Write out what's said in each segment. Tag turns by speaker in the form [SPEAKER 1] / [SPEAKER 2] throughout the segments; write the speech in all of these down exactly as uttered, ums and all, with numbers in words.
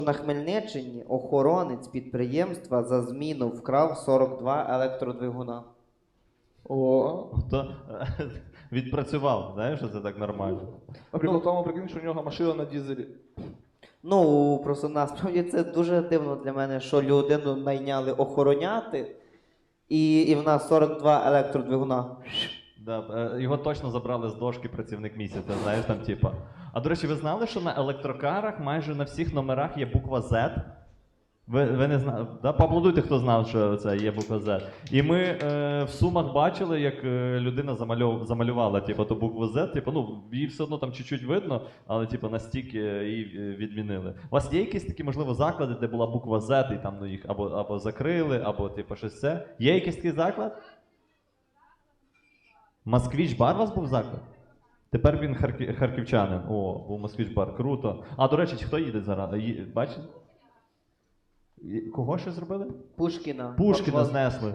[SPEAKER 1] На Хмельниччині охоронець підприємства за зміну вкрав сорок два електродвигуна.
[SPEAKER 2] О,
[SPEAKER 3] То відпрацював, знаєш, що це так нормально.
[SPEAKER 2] а прикол в тому, прикинь, що у нього машина на дізелі.
[SPEAKER 1] Ну, просто насправді це дуже дивно для мене, що людину найняли охороняти, і, і в нас сорок два електродвигуна.
[SPEAKER 3] Да, е, його точно забрали з дошки працівник місяця, знаєш, там типа. А до речі, ви знали, що на електрокарах майже на всіх номерах є буква Z? Ви, ви не знали? Да? Поаплодуйте, хто знав, що це є буква Z. І ми е, в Сумах бачили, як е, людина замальов, замалювала типу, ту букву Z. Типу, ну, її все одно там чуть-чуть видно, але типу, настільки її е, відмінили. У вас є якісь такі, можливо, заклади, де була буква Z, і там ну, їх або, або закрили, або типу, щось це? Є якийсь такий заклад? Москвіч бар у вас був заклад? Тепер він харки... харківчанин. О, був Москвіч бар, круто. А, до речі, хто їде зараз? Ї... Бачите? Ї- Кого ще зробили?
[SPEAKER 1] Пушкіна.
[SPEAKER 3] Пушкіна знесли.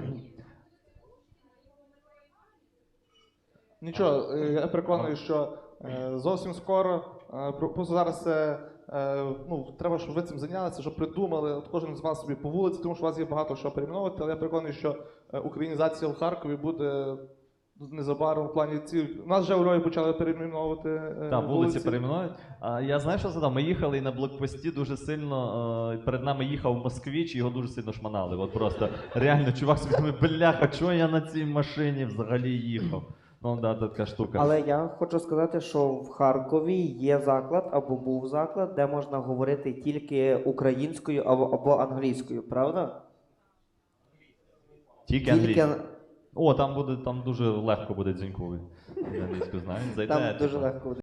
[SPEAKER 2] Нічого, е, я переконаний, що е, зовсім скоро, е, про- просто зараз це, е, ну, треба, щоб ви цим зайнялися, щоб придумали, от кожен з вас собі по вулиці, тому що у вас є багато що перейменовувати, але я переконаний, що е, українізація в Харкові буде незабаром в плані ці. У нас вже у Львові почали перейменовувати е,
[SPEAKER 3] Так, вулиці перейменують. А я знаю, що задав? Ми їхали і на блокпості дуже сильно. Е, перед нами їхав москвіч, і його дуже сильно шманали. От просто реально, чувак собі думає, бляха, чого я на цій машині взагалі їхав? Ну да, така штука.
[SPEAKER 1] Але я хочу сказати, що в Харкові є заклад або був заклад, де можна говорити тільки українською або, або англійською, правда?
[SPEAKER 3] Тільки англійською. О, там буде, там дуже легко буде дзіньковий. Англійську знаєш, зайде.
[SPEAKER 1] Там дуже
[SPEAKER 3] типу.
[SPEAKER 1] легко.